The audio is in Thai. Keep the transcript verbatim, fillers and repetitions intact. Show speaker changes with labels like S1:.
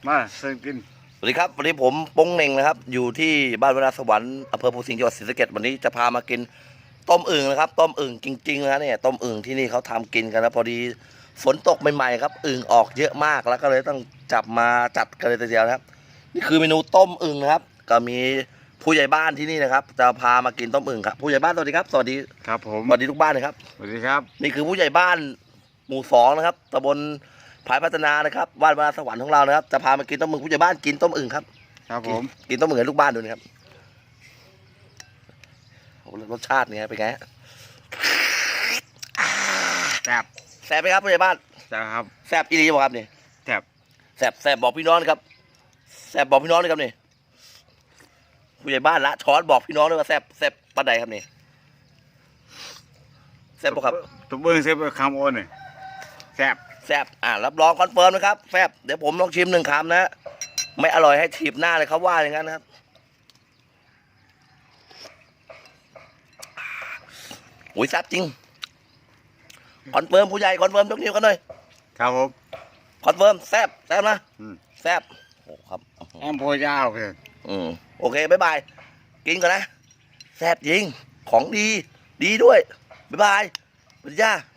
S1: มาเชิญกิน
S2: สวัสดีครับวันนี้ผมโป้งเหน่งนะครับอยู่ที่บ้านวนาสวรรค์อำเภอภูสิงห์จังหวัดศรีสะเกษวันนี้จะพามากินต้มอึ่งนะครับต้มอึ่งจริงๆนะเนี่ยต้มอึ่งที่นี่เขาทำกินกันนะพอดีฝนตกใหม่ๆครับอึ่งออกเยอะมากแล้วก็เลยต้องจับมาจัดกันเลยทีเดียวนะครับนี่คือเมนูต้มอึ่งนะครับก็มีผู้ใหญ่บ้านที่นี่นะครับจะพามากินต้มอึ่งครับผู้ใหญ่บ้านสวัสดีครับสวัสดี
S1: ครับผม
S2: สวัสดีทุกบ้านเลยครับ
S1: สวัสดีครับ
S2: นี่คือผู้ใหญ่บ้านหมู่สองนะครับตำบลผายพัฒนานะครับบ้านวนาสวรรค์ของเรานะครับจะพามากินต้มอึ่งผู้ใหญ่บ้านกินต้มอึ่งครับ
S1: ครับผม
S2: กินต้มอึ่งให้ลูกบ้านดูนะครับโอ้รสชาติเนี่ยเป็นไง
S1: แซ่บ
S2: แซ่บไหมครับผู้ใหญ่บ้าน
S1: แซ่บครับ
S2: แซ่บอีหลีบอกครับนี่
S1: แซ่บ
S2: แซ่บแซ่บบอกพี่น้องครับแซ่บบอกพี่น้องเลยครับนี่ผู้ใหญ่บ้านละช้อนบอกพี่น้องด้วยว่าแซ่บแซ่บปานใดครับนี่แซ่บปะครับ
S1: ตุ๊บเบิ้งเซ่บคำโอนนี่แซ่บ
S2: แซ่บอ่ารับรองคอนเฟิร์มนะครับแซ่บเดี๋ยวผมลองชิมหนึ่งคำนะไม่อร่อยให้ถีบหน้าเลยเขาว่าอย่างนั้นนะครับโอ้ยแซ่บจริงคอนเฟิร์มผู้ใหญ่คอนเฟิร์มยกนิ้วกันหน่อย
S1: ครับผม
S2: คอนเฟิร์มแซ่บแซ่บนะแซ่บโอ้ครับ
S1: แอมโพยาวเพื่อน
S2: อืมโอเคบ๊ายบายกินก่อนนะแซ่บจริงของดีดีด้วยบ๊ายบายสวัสดีจ้า